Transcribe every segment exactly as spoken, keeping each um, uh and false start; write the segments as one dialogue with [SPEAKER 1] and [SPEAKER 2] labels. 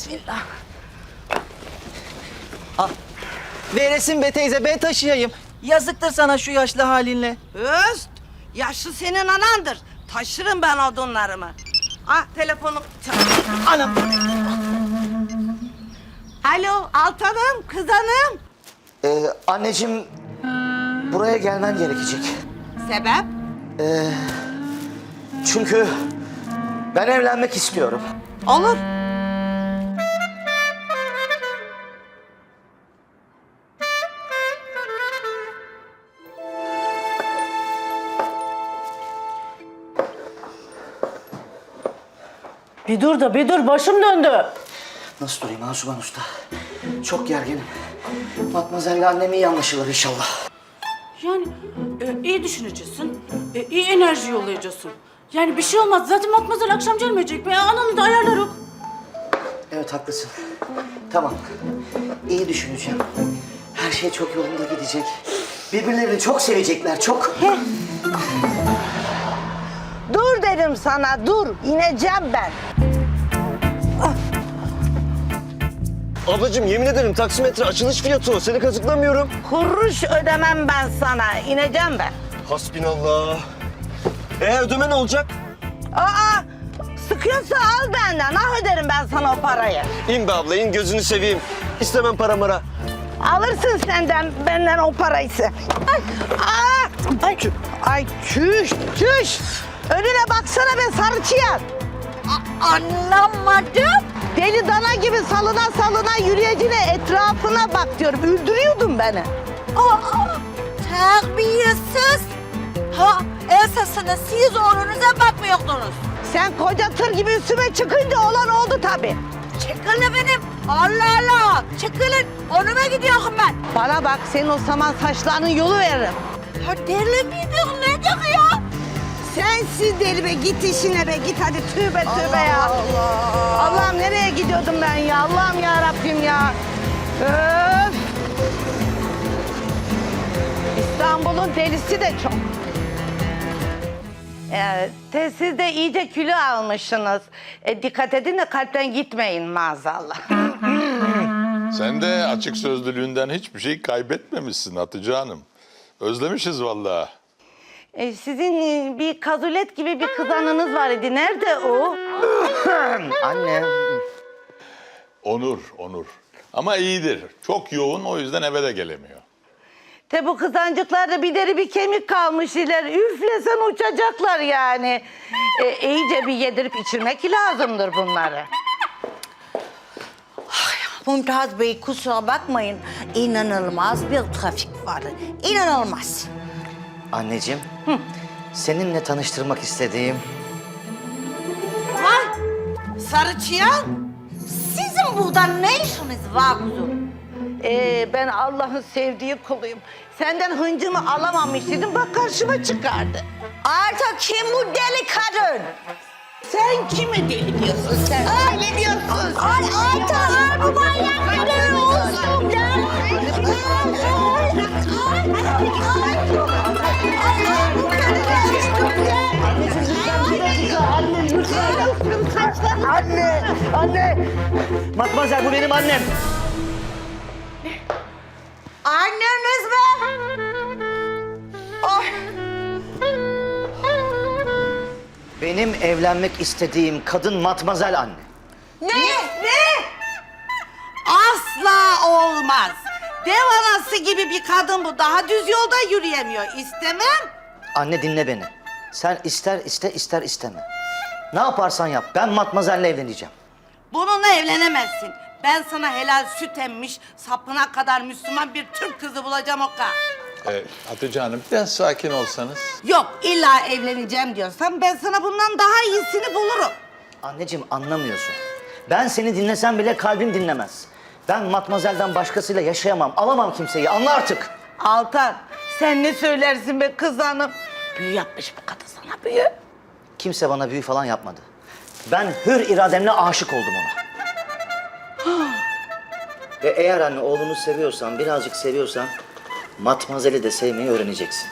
[SPEAKER 1] Bismillah.
[SPEAKER 2] Al. Veresin be teyze, ben taşıyayım. Yazıktır sana şu yaşlı halinle.
[SPEAKER 1] Öst, yaşlı senin anandır. Taşırım ben odunlarımı. Ah telefonu.
[SPEAKER 2] Anam.
[SPEAKER 1] Alo Altanım, kız hanım.
[SPEAKER 3] Ee, anneciğim, buraya gelmen gerekecek.
[SPEAKER 1] Sebep?
[SPEAKER 3] Ee, çünkü ben evlenmek istiyorum.
[SPEAKER 1] Olur.
[SPEAKER 4] Bir dur da bir dur, başım döndü.
[SPEAKER 3] Nasıl durayım Asuman Usta? Çok gerginim. Matmazel'le annem iyi anlaşılır inşallah.
[SPEAKER 4] Yani e, iyi düşüneceksin, e, iyi enerji yollayacaksın. Yani bir şey olmaz, zaten Matmazel akşam gelmeyecek mi? Ananı da ayarlarız.
[SPEAKER 3] Evet, haklısın. Tamam, iyi düşüneceğim. Her şey çok yolunda gidecek. Birbirlerini çok sevecekler, çok.
[SPEAKER 1] Dur dedim sana, dur. İneceğim ben.
[SPEAKER 5] Ablacığım yemin ederim taksimetre açılış fiyatı o. Seni kazıklamıyorum.
[SPEAKER 1] Kuruş ödemem ben sana. İneceğim ben.
[SPEAKER 5] Hasbinallah. Eğer ödeme ne olacak?
[SPEAKER 1] Aa, sıkıyorsa al benden. Ah öderim ben sana o parayı.
[SPEAKER 5] İn be abla in gözünü seveyim. İstemem para mara.
[SPEAKER 1] Alırsın senden, benden o parayı. Ay, aa, ay, ay çüş, çüş. Önüne baksana be sarı çıyan. Anlamadım. Deli dana gibi salına salına yürüyecine etrafına bak diyorum. Öldürüyordun beni.
[SPEAKER 6] Aa, terbiyesiz. Ha, esasında siz oğlunuza bakmıyordunuz.
[SPEAKER 1] Sen koca tır gibi üstüme çıkınca olan oldu tabii.
[SPEAKER 6] Çekilin benim. Allah Allah. Çekilin. Onuma gidiyorum ben.
[SPEAKER 1] Bana bak, senin o saman saçlarının yolu veririm.
[SPEAKER 6] Ha deli miydin? Ne diyor ya?
[SPEAKER 1] Sensiz deli be, git işine be, git hadi tövbe tövbe ya. Allah. Allah'ım nereye gidiyordum ben ya? Allah'ım ya Rabbim ya. Öf. İstanbul'un delisi de çok. Ee, te- siz de iyice kilo almışsınız. E, dikkat edin de kalpten gitmeyin maazallah.
[SPEAKER 7] Sen de açık sözlülüğünden hiçbir şey kaybetmemişsin Hatice Hanım. Özlemişiz vallahi.
[SPEAKER 1] E, sizin e, bir kazulet gibi bir kızanınız var idi. Nerede o?
[SPEAKER 3] Anne.
[SPEAKER 7] Onur, Onur. Ama iyidir. Çok yoğun o yüzden eve de gelemiyor.
[SPEAKER 1] Te bu kızancıklarda bir deri bir kemik kalmış iler. Üflesen uçacaklar yani. E, iyice bir yedirip içirmek lazımdır bunları.
[SPEAKER 6] Mümtaz Bey kusura bakmayın. İnanılmaz bir trafik vardı. İnanılmaz.
[SPEAKER 3] Anneciğim, seninle tanıştırmak istediğim...
[SPEAKER 1] Ha? Sarı çıyan?
[SPEAKER 6] Sizin burada ne işiniz var kuzum?
[SPEAKER 1] Ee, ben Allah'ın sevdiği kuluyum. Senden hıncımı alamamıştım, bak karşıma çıkardı.
[SPEAKER 6] Artık kim bu deli kadın?
[SPEAKER 1] Sen kime deli diyorsun sen? Öyle diyorsun.
[SPEAKER 6] Ay Ayta, bu manyak kadın olsun ya.
[SPEAKER 3] Anne! Anne! Matmazel, bu benim annem.
[SPEAKER 6] Anneniz mi? Ay.
[SPEAKER 3] Benim evlenmek istediğim kadın Matmazel anne.
[SPEAKER 6] Ne?
[SPEAKER 1] Ne? Asla olmaz. Dev anası gibi bir kadın bu. Daha düz yolda yürüyemiyor. İstemem.
[SPEAKER 3] Anne dinle beni. Sen ister iste ister isteme. Ne yaparsan yap, ben Matmazel'le evleneceğim.
[SPEAKER 1] Bununla evlenemezsin. Ben sana helal süt emmiş, sapına kadar Müslüman bir Türk kızı bulacağım o kadar.
[SPEAKER 7] Ee, Hatice Hanım biraz sakin olsanız.
[SPEAKER 1] Yok, illa evleneceğim diyorsan ben sana bundan daha iyisini bulurum.
[SPEAKER 3] Anneciğim anlamıyorsun. Ben seni dinlesem bile kalbim dinlemez. Ben Matmazel'den başkasıyla yaşayamam, alamam kimseyi, anla artık.
[SPEAKER 1] Altan, sen ne söylersin be kız hanım? Büyü yapmış bu kadın sana, büyü.
[SPEAKER 3] Kimse bana büyü falan yapmadı. Ben hür irademle aşık oldum ona. Ve eğer anne oğlunu seviyorsan, birazcık seviyorsan... Matmazel'i de sevmeyi öğreneceksin.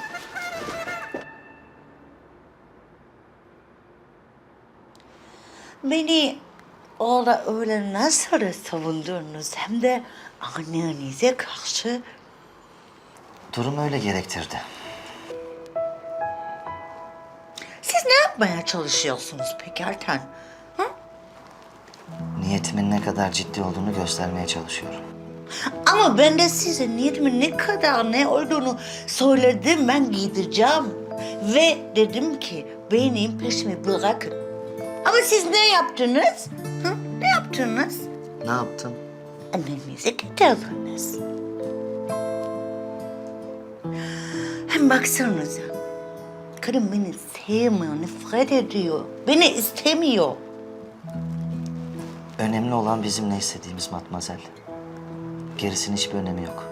[SPEAKER 6] Beni orada öyle nasıl savundunuz hem de annenize karşı.
[SPEAKER 3] Durum öyle gerektirdi.
[SPEAKER 6] Siz ne yapmaya çalışıyorsunuz peki Altan? Hı?
[SPEAKER 3] Niyetimin ne kadar ciddi olduğunu göstermeye çalışıyorum.
[SPEAKER 6] Ama ben de size niyetimin ne kadar ne olduğunu söyledim. Ben gideceğim. Ve dedim ki benim peşimi bırakın. Ama siz ne yaptınız? Hı? Ne yaptınız?
[SPEAKER 3] Ne yaptım?
[SPEAKER 6] Annenizi getirdiniz. Hem baksanıza. Kadın beni sevmiyor, nefret ediyor. Beni istemiyor.
[SPEAKER 3] Önemli olan bizim ne istediğimiz Matmazel. Gerisinin hiçbir önemi yok.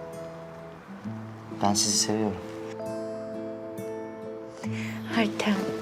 [SPEAKER 3] Ben sizi seviyorum.
[SPEAKER 6] Altan.